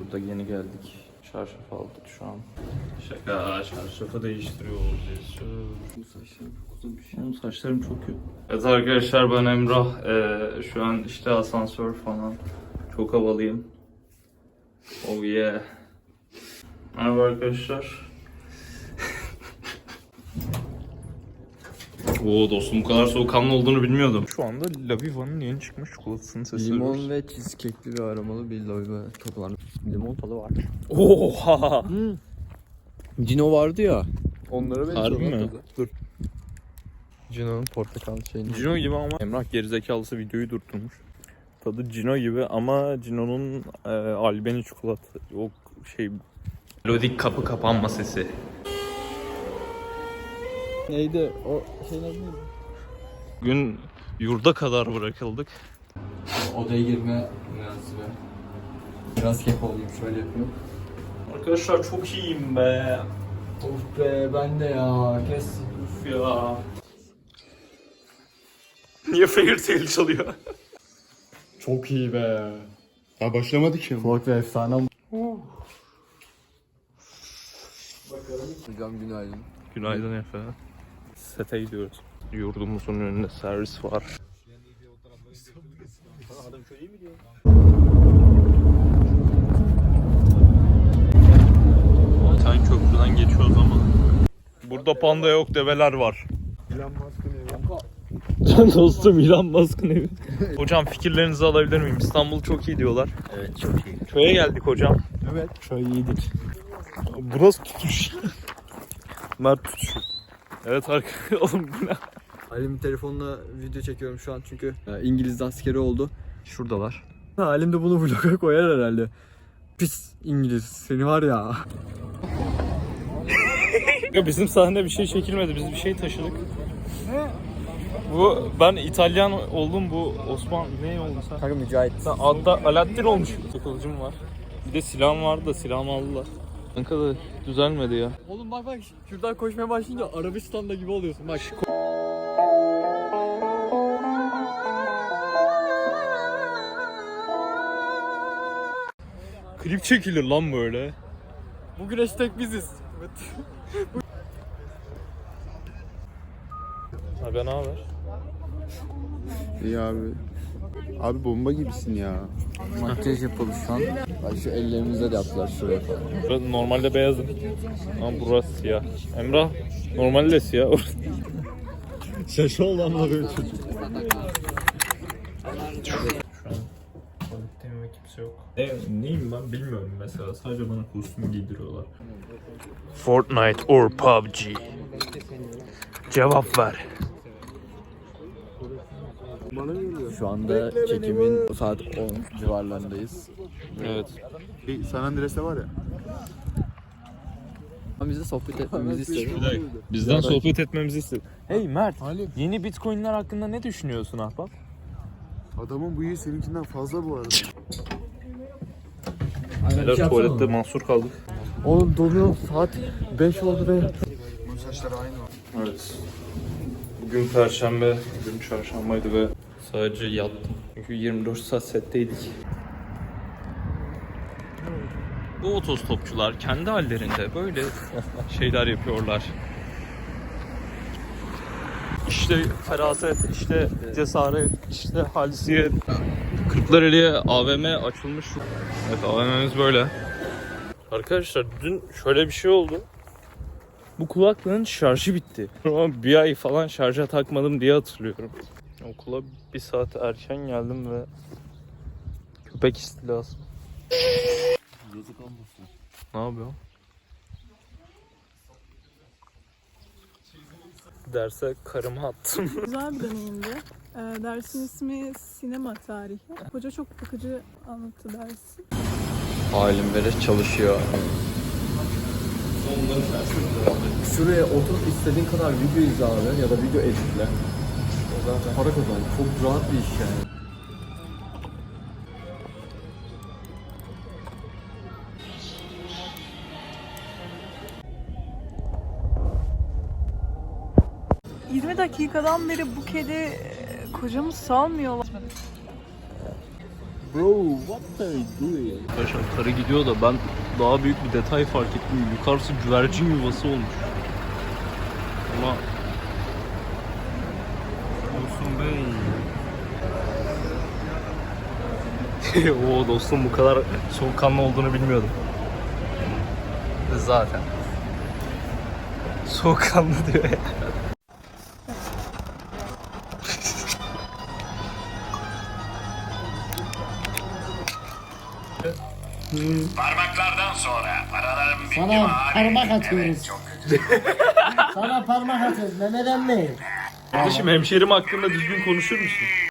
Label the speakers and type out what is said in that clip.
Speaker 1: Burada yeni geldik. Çarşaf aldık şu an. Şaka, çarşafı değiştiriyor olacağız.
Speaker 2: Bu saçlarım çok uzun bir şey.
Speaker 1: Benim saçlarım çok kötü. Evet arkadaşlar, ben Emrah. Şu an işte asansör falan. Çok havalıyım. Oh yeah. Merhaba arkadaşlar. Oo dostum, bu kadar soğukkanlı olduğunu bilmiyordum. Şu anda Laviva'nın yeni çıkmış çikolatasını sesleniyoruz.
Speaker 2: Limon ve cheesecake'li bir aromalı bir Loiva toplandı. Limon tadı var.
Speaker 1: Oha!
Speaker 2: Cino vardı ya. Onlara benziyor.
Speaker 1: Harbi mi?
Speaker 2: Tadı. Dur. Cino'nun portakal şeyini.
Speaker 1: Cino gibi ama Emrah gerizekalısı videoyu durdurmuş. Tadı Cino gibi ama Cino'nun albeni çikolata yok şey. Melodik kapı kapanma sesi.
Speaker 2: Neydi? O şeyin adı neydi?
Speaker 1: Bugün yurda kadar bırakıldık.
Speaker 2: Odaya girme mühendisi be. Biraz kek olayım, şöyle yapıyorum.
Speaker 1: Arkadaşlar çok iyiyim be.
Speaker 2: Of be, ben de ya. Kes.
Speaker 1: Uf ya. Niye Fairy Tail çalıyor?
Speaker 2: Çok iyi be.
Speaker 3: Daha başlamadık ki.
Speaker 2: Kork ve efsane. Bakalım. Hocam günaydın.
Speaker 1: Günaydın Efe. Sete gidiyoruz. Yurdumuzun önünde servis var. Sen köprüden geçiyoruz ama. Burada panda yok, develer var.
Speaker 3: Elon Musk'ın evi.
Speaker 1: Can dostum, Elon Musk'ın evi. Hocam fikirlerinizi alabilir miyim? İstanbul çok iyi diyorlar.
Speaker 2: Evet, çok iyi.
Speaker 1: Köye geldik hocam.
Speaker 2: Evet.
Speaker 1: Köy iyidir. Burası tutuş. Mert tutuşu. Evet arkadaşlar, oğlum bu ne?
Speaker 2: Halim'in telefonla video çekiyorum şu an çünkü İngiliz askeri oldu. Şuradalar. Halim de bunu vloga koyar herhalde. Pis İngiliz, seni var ya.
Speaker 1: Ya bizim sahnede bir şey çekilmedi, biz bir şey taşıdık. Bu, ben İtalyan oldum, bu Osman ne oldu sen?
Speaker 2: Kanka Mücahit.
Speaker 1: Sen adda Alaaddin olmuş. Kılıcım var. Bir de silahım vardı da silahımı aldılar. Kanka da düzelmedi ya.
Speaker 2: Oğlum bak şuradan koşmaya başlayınca Arabistan'da gibi oluyorsun bak.
Speaker 1: Klip çekilir lan böyle.
Speaker 2: Bugün hashtag biziz.
Speaker 1: Aga ne haber?
Speaker 3: İyi abi. Abi bomba gibisin ya.
Speaker 2: Makyaj yapalım şu an. Bak şu ellerimizde de yaptılar şuraya falan.
Speaker 1: Ben normalde beyazım. Ama burası siyah. Emrah normalde siyah.
Speaker 2: Şaşı olan var öyle çocuk.
Speaker 1: Şu an tuvaletteyim ve kimse yok. Neyim ben bilmiyorum mesela. Sadece bana kostüm giydiriyorlar. Fortnite or PUBG? Cevap ver.
Speaker 2: Şu anda çekimin saat 10 civarlarındayız.
Speaker 1: Evet.
Speaker 3: San Andreas'te var ya.
Speaker 2: Ama bize sohbet etmemizi istedi.
Speaker 1: Bizden sohbet etmemizi istedi. Hey Mert, yeni Bitcoin'ler hakkında ne düşünüyorsun ahbap?
Speaker 3: Adamın bıyığı seninkinden fazla bu arada.
Speaker 1: Beyler tuvalette mahsur kaldık.
Speaker 2: Oğlum donuyor, saat 5 oldu be.
Speaker 3: Bunun saçları aynı.
Speaker 1: Evet. Bugün Perşembe, bugün Çarşambaydı ve sadece yattım. Çünkü 24 saat setteydik. Bu otostopçular kendi hallerinde böyle şeyler yapıyorlar. İşte feraset, işte cesaret, işte halsiyet. Kırklareli'ye AVM açılmış. Evet, AVM'miz böyle. Arkadaşlar dün şöyle bir şey oldu. Bu kulaklığın şarjı bitti. Ama bir ay falan şarja takmadım diye hatırlıyorum. Okula bir saat erken geldim ve köpek istilası.
Speaker 2: Yazık olmasın.
Speaker 1: Ne yapıyorsun? Derse karımı attım.
Speaker 4: Güzel bir deneyimdi. Dersin ismi sinema tarihi. Hoca çok bakıcı anlattı dersi.
Speaker 2: Halim Bereş çalışıyor. Şuraya oturup istediğin kadar video izle abi ya da video editle. O zaten para kazan. Çok rahat bir iş yani.
Speaker 4: ...20 dakikadan beri bu kedi kocamı salmıyor.
Speaker 1: Bro, what are you doing? Arkadaşlar karı gidiyor da ben daha büyük bir detay fark ettim. Yukarısı güvercin yuvası olmuş. Ama olsun bey. Oo dostum, bu kadar soğukkanlı olduğunu bilmiyordum. Zaten. Soğukkanlı diyor ya.
Speaker 5: Parmaklardan sonra aralarım bitti
Speaker 6: Sana parmak atıyoruz. Sana parmak atıyoruz. Mehmet emmi.
Speaker 1: Kardeşim hemşerim hakkında düzgün konuşur musun?